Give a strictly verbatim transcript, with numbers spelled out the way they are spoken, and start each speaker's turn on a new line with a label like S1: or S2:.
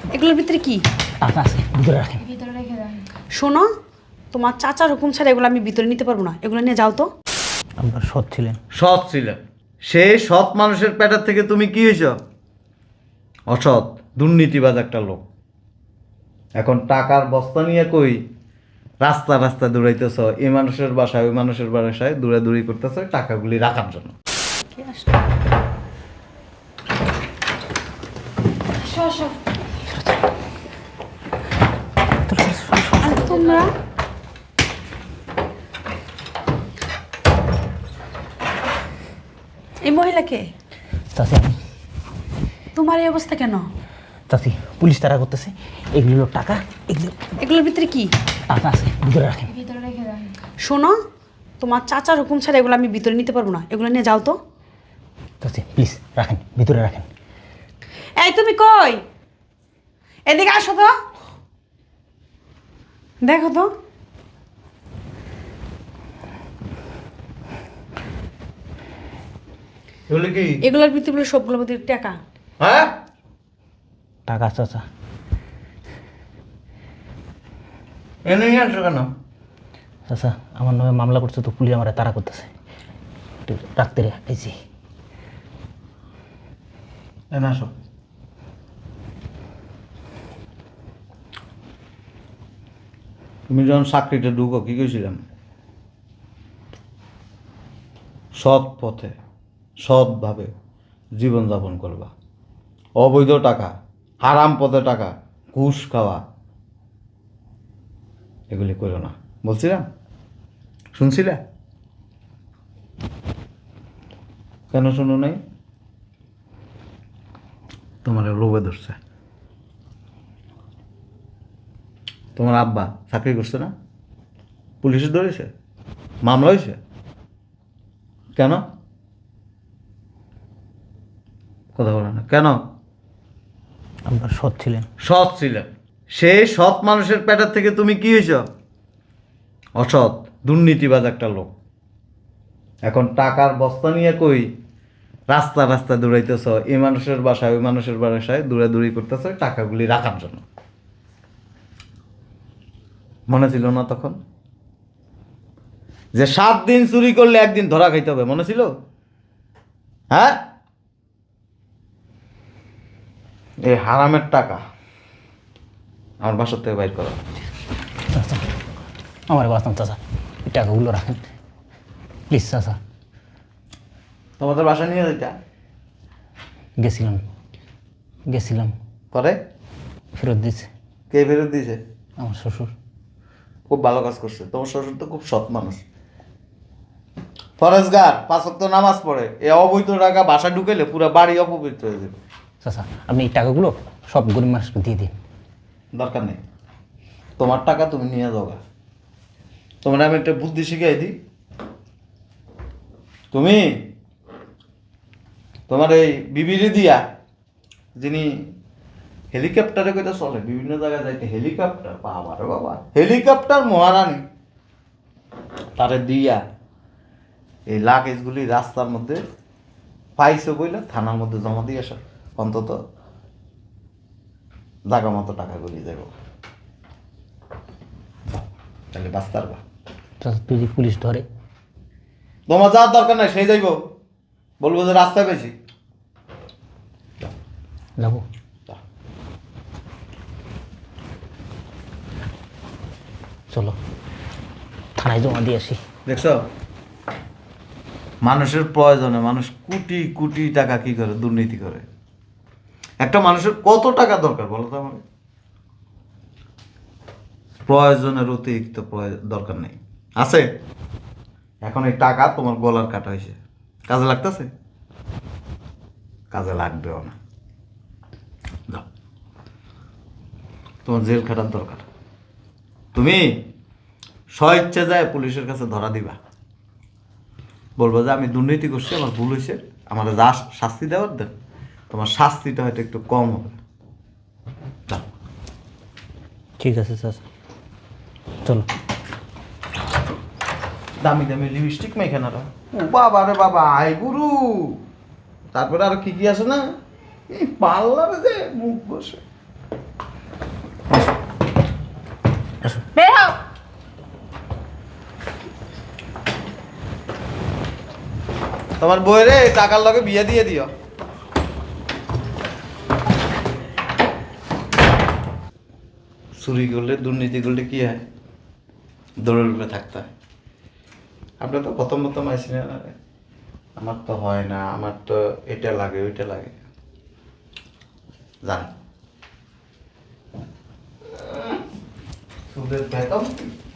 S1: এগুলোর ভিতরে কি?
S2: টাকা আছে, ভিতরে রাখেন।
S3: ভিতরে রেখে দেন।
S1: শোনো, তোমার চাচার হুকুম ছাড়া এগুলো আমি ভিতরে নিতে পারবো না। এগুলো নিয়ে যাও তো।
S2: আপনার সৎ ছিলেন।
S4: সৎ ছিলেন, সেই সৎ মানুষের পেটার থেকে তুমি কি হয়েছ? অসৎ, দুর্নীতিবাজ একটা লোক। এখন টাকার বস্তা নিয়ে কই রাস্তা রাস্তা দৌড়াইতেছ, এই মানুষের বাসায় ওই মানুষের বাসায় দৌড়াদৌড়ি করতেছ টাকাগুলি রাখার জন্য।
S1: কে আসলো?
S3: আসো আসো।
S1: আর তোমরা এই মহিলাকে,
S2: চাচি আমি
S1: তোমার এই অবস্থা কেন?
S2: চাচি পুলিশ তারা করতেছে, এগুলো হলো টাকা, এগুলো
S1: এগুলোর ভিতরে কি?
S2: টাকা আছে, ভিতরে রাখেন।
S3: ভিতরে রেখে দেন।
S1: শোনো, তোমার চাচার হুকুম ছাড়া এগুলো আমি ভিতরে নিতে পারবো না। এগুলো নিয়ে যাও তো।
S2: চাচি প্লিজ রাখেন, ভিতরে রাখেন।
S1: এই তুমি কই? এদিকে আসো তো, দেখো তো।
S4: এগুলি কি?
S1: এগুলোর ভিতরে সবগুলো ভিতরে টাকা।
S4: হ্যাঁ,
S2: টাকা চাচা।
S4: এনে নিয়ে আসো কেন?
S2: চাচা আমার নামে মামলা করছে তো পুলিশ আমার তারা করতেছে, একটু রাখতে রে আইছি।
S4: এনে আসো। তুমি যখন চাকরিতে ঢুকো কি কইছিলাম? সৎ পথে সৎভাবে জীবনযাপন করবা, অবৈধ টাকা, হারাম পথে টাকা, ঘুষ খাওয়া এগুলি করো না বলছিলাম, শুনছিলে? কেন শুনো নাই? তোমার লোভে ধরছে। তোমার আব্বা চাকরি করছে না, পুলিশে ধরেছে, মামলা হয়েছে, কেন কথা বলে না কেন?
S2: আপনার সৎ ছিলেন।
S4: সৎ ছিলেন, সেই সৎ মানুষের পেটার থেকে তুমি কি হয়েছ? অসৎ, দুর্নীতিবাজ একটা লোক। এখন টাকার বস্তা নিয়ে কই রাস্তা রাস্তা দৌড়াইতেছ, এই মানুষের বাসায় ওই মানুষের বাসায় দৌড়াদৌড়ি করতেছ টাকাগুলি রাখার জন্য। মনে ছিল না তখন যে সাত দিন চুরি করলে একদিন ধরা খাইতে হবে? মনে ছিল? হ্যাঁ, এই হারামের টাকা আমার বাসার থেকে বাইর করো।
S2: চাচা আমার বাঁচান চাচা, এই টাকাগুলো রাখেন প্লিজ চাচা।
S4: তোমাদের বাসা নিয়ে যেটা
S2: গেছিলাম গেছিলাম
S4: পরে
S2: ফেরত দিচ্ছে
S4: কে ফেরত দিয়েছে?
S2: আমার শ্বশুর।
S4: খুব ভালো কাজ করছে, তোমার শ্বশুর তো খুব সৎ মানুষ, ফরেজগার, পাঁচ ওয়াক্ত নামাজ পড়ে। এ অবৈধ টাকা বাসা ঢুকেলে পুরো বাড়ি অপবিত্র হয়ে যাবে।
S2: চাচা আপনি এই টাকাগুলো সব গরিব মানুষকে দিয়ে দিন।
S4: দরকার নেই, তোমার টাকা তুমি নিয়ে যাও গা। তোমার আমি একটা বুদ্ধি শিখাই দিই। তুমি তোমার এই বিবিরে দিয়া, যিনি হেলিকপ্টারে কইটা চলে বিভিন্ন জায়গায় যাইতে, হেলিকপ্টার বাবা রে বাবা, হেলিকপ্টার মহারানী, তারে দিয়া এই লাগেজগুলি রাস্তার মধ্যে পাইছো বইলে থানার মধ্যে জমা দিয়ে আসো, অন্তত জাগা মতো টাকাগুলি দেব, তাহলে বাঁচতে পারবা।
S2: চাচা তুই যদি পুলিশ ধরে?
S4: তোমার যাওয়ার দরকার নাই, সেই যাইব, বলবো যে রাস্তায় পেয়েছি।
S2: যাবো। চলো থানায় জমা দিয়ে আসি।
S4: দেখছো, মানুষের প্রয়োজনে মানুষ কোটি কোটি টাকা কি করে দুর্নীতি করে। একটা মানুষের কত টাকা দরকার বলো তো আমাকে? প্রয়োজনের অতিরিক্ত দরকার নেই, আছে? এখন এই টাকা তোমার গলার কাটা হয়েছে, কাজে লাগতেছে? কাজে লাগবেও না। দাও, তোমার জেল খাটার দরকার। তুমি স্বইচ্ছে যায় পুলিশের কাছে ধরা দিবা, বলবো যে আমি দুর্নীতি করছি, আমার ভুল হয়েছে, আমার যা শাস্তি দেওয়ার দেন, তোমার শাস্তিটা হয়তো একটু কম হবে। দাও।
S2: ঠিক আছে চাচা চলো।
S4: দামি দামি লিপস্টিক মেখানারা, ও বাবা রে বাবা, আই গুরু। তারপরে আর কি কি আছে না, এই পার্লারে যে মুখ বসে
S2: আসো।
S3: বের হও।
S4: তোমার বইরে টাকার লগে বিয়ে দিয়ে দিও। চুরি করলে দুর্নীতি করলে কি হয়? দৌড়ের উপরে থাকতে হয়। আপনার তো প্রথম প্রথম আইসিলেন না, আমার তো হয় না, আমার তো এটা লাগে ওইটা লাগে। জান সুদের বেতন